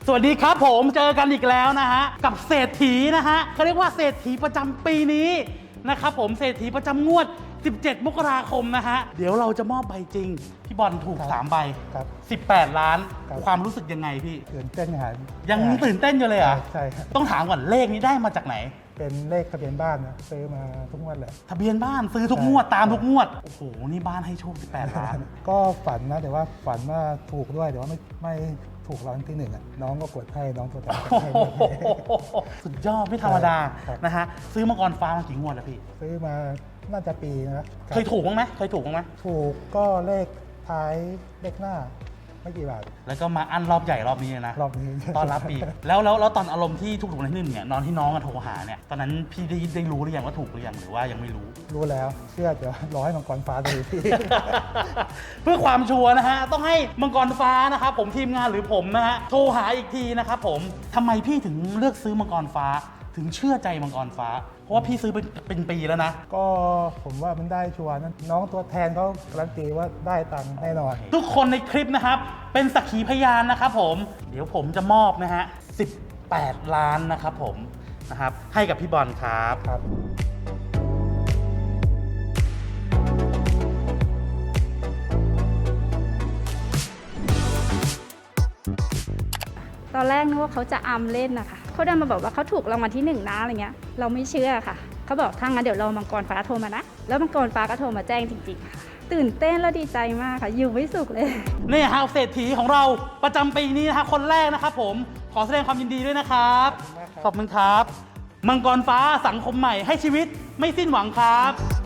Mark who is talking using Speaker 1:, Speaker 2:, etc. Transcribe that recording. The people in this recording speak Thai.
Speaker 1: สวัสดีครับผมเจอกันอีกแล้วนะฮะกับเศรษฐีนะฮะเขาเรียกว่าเศรษฐีประจำปีนี้นะครับผมเศรษฐีประจำงวด 17 มกราคมนะฮะเดี๋ยวเราจะมอบใบจริงพี่บอลถูก3 ใบ 18 ล้านความรู้สึกยังไงพี่
Speaker 2: ตื่นเต้นครับ
Speaker 1: ยังตื่นเต้นอยู่เลยเหรอ
Speaker 2: ใช่ครับ
Speaker 1: ต้องถามก่อนเลขนี้ได้มาจากไหน
Speaker 2: เป็นเลขทะเบียนบ้านนะซื้อมาทุกงวดเลย
Speaker 1: ทะเบียนบ้านซื้อทุกงวดตามทุกงวดโอ้โหนี่บ้านให้โชค18 ล้าน
Speaker 2: ก็ฝันนะแต่ว่าฝันว่าถูกด้วยแต่ว่าไม่ถูกรางวัลที่1อ่ะน้องก็กดให้น้องตัวแทนให้
Speaker 1: สุดยอดไม่ธรรมดานะฮะซื้อมังกรฟ้ามากี่งวดแล้วพี่
Speaker 2: ซื้อมาน่าจะปีนะ
Speaker 1: เคยถูกบ้างไหมเคยถูกบ้างไหม
Speaker 2: ถูกก็เลขท้ายเลขหน้าไม่กี่บาท
Speaker 1: แล้วก็มาอั้นรอบใหญ่รอบนี้นะ
Speaker 2: รอบนี้
Speaker 1: ตอนรับปีแล้วตอนอารมณ์ที่ถูกในที่1เนี่ยนอนที่น้องโทรหาเนี่ยตอนนั้นพี่ได้รู้หรือยังว่าถูกหรือยังหรือว่ายังไม่รู้
Speaker 2: แล้วเชื่อเดี๋ยวรอให้มังกรฟ้าดูพี่
Speaker 1: เพื่อความชัวร์นะฮะต้องให้มังกรฟ้านะครับผมทีมงานหรือผมนะฮะโทรหาอีกทีนะครับผมทำไมพี่ถึงเลือกซื้อมังกรฟ้าถึงเชื่อใจมังกรฟ้าเพราะว่าพี่ซื้อเป็นปีแล้วนะ
Speaker 2: ก็ผมว่ามันได้ชัวร์นั้นน้องตัวแทนเขาการันตีว่าได้ตังค์แน่นอน
Speaker 1: ทุกคนในคลิปนะครับเป็นสักขีพยานนะครับผมเดี๋ยวผมจะมอบนะฮะ18 ล้านนะครับผมนะครับให้กับพี่บอลครับ
Speaker 3: ตอนแรกนึกว่าเขาจะอำเล่นนะคะเขาดันมาบอกว่าเขาถูกรางวัลที่1นะอะไรเงี้ยเราไม่เชื่อค่ะเขาบอกถ้างั้นเดี๋ยวรอมังกรฟ้าโทรมานะแล้วมังกรฟ้าก็โทรมาแจ้งจริงๆค่ะตื่นเต้นและดีใจมากค่ะอยู่ไม่สุขเลย
Speaker 1: นี่ฮะเศรษฐีของเราประจำปีนี้นะคะคนแรกนะครับผมขอแสดงความยินดีด้วยนะครับขอบคุณครับมังกรฟ้าสังคมใหม่ให้ชีวิตไม่สิ้นหวังครับ